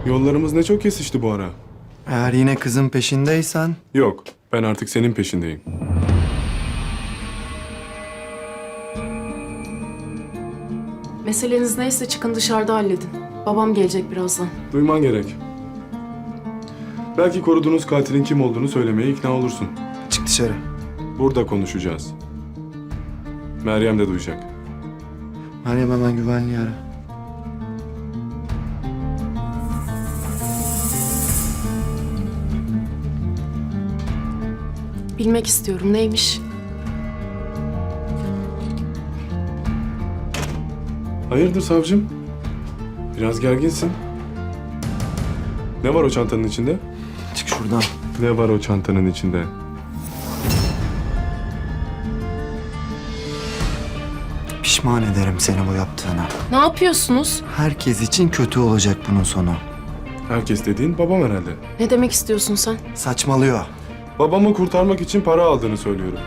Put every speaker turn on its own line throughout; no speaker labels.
Yollarımız ne çok kesişti bu ara.
Eğer yine kızın peşindeysen...
Yok, ben artık senin peşindeyim.
Meseleniz neyse çıkın dışarıda halledin. Babam gelecek birazdan.
Duyman gerek. Belki koruduğunuz katilin kim olduğunu söylemeye ikna olursun.
Çık dışarı.
Burada konuşacağız. Meryem de duyacak.
Meryem hemen güvenliği ara.
Bilmek istiyorum neymiş?
Hayırdır savcım? Biraz gerginsin. Ne var o çantanın içinde?
Çık şuradan.
Ne var o çantanın içinde?
Pişman ederim seni bu yaptığına.
Ne yapıyorsunuz?
Herkes için kötü olacak bunun sonu.
Herkes dediğin babam herhalde.
Ne demek istiyorsun sen?
Saçmalıyor.
Babamı kurtarmak için para aldığını söylüyorum.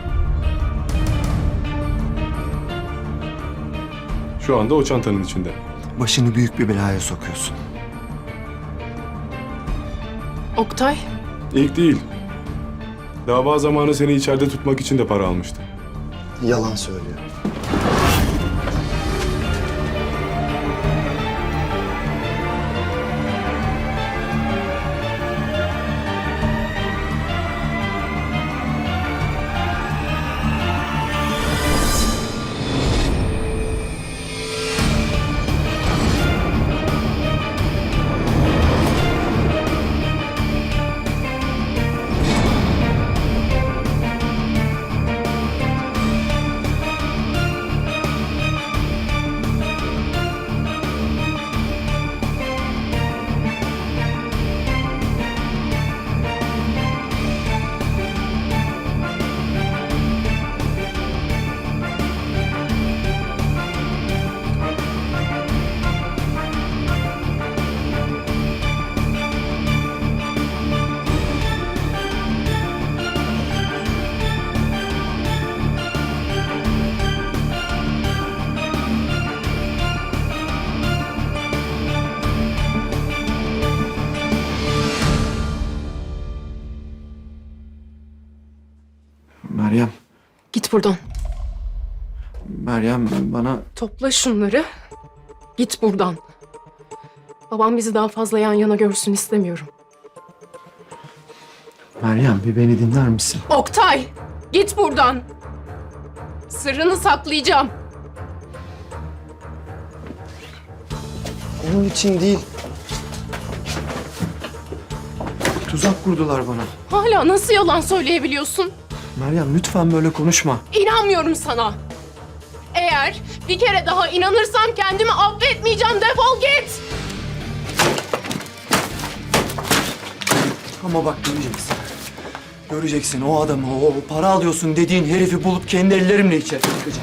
Şu anda o çantanın içinde.
Başını büyük bir belaya sokuyorsun.
Oktay,
İlk değil. Dava zamanı seni içeride tutmak için de para almıştı.
Yalan söylüyor. Meryem,
git buradan.
Meryem bana...
Topla şunları. Git buradan. Babam bizi daha fazla yan yana görsün istemiyorum.
Meryem bir beni dinler misin?
Oktay, git buradan. Sırrını saklayacağım.
Onun için değil. Tuzak kurdular bana.
Hala nasıl yalan söyleyebiliyorsun?
Meryem lütfen böyle konuşma.
İnanmıyorum sana. Eğer bir kere daha inanırsam kendimi affetmeyeceğim. Defol git.
Ama bak göreceksin. Göreceksin o adamı, o para alıyorsun dediğin herifi bulup kendi ellerimle içeri tıkacağım.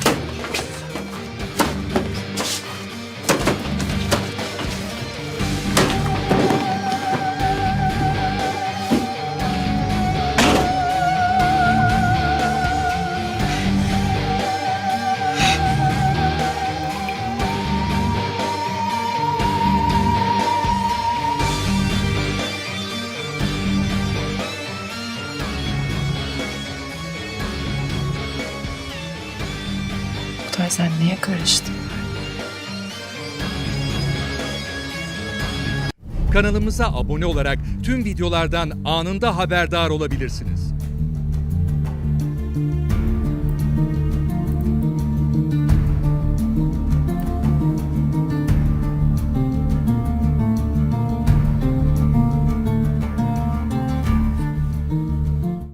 Oktay sen niye karıştın?
Kanalımıza abone olarak tüm videolardan anında haberdar olabilirsiniz.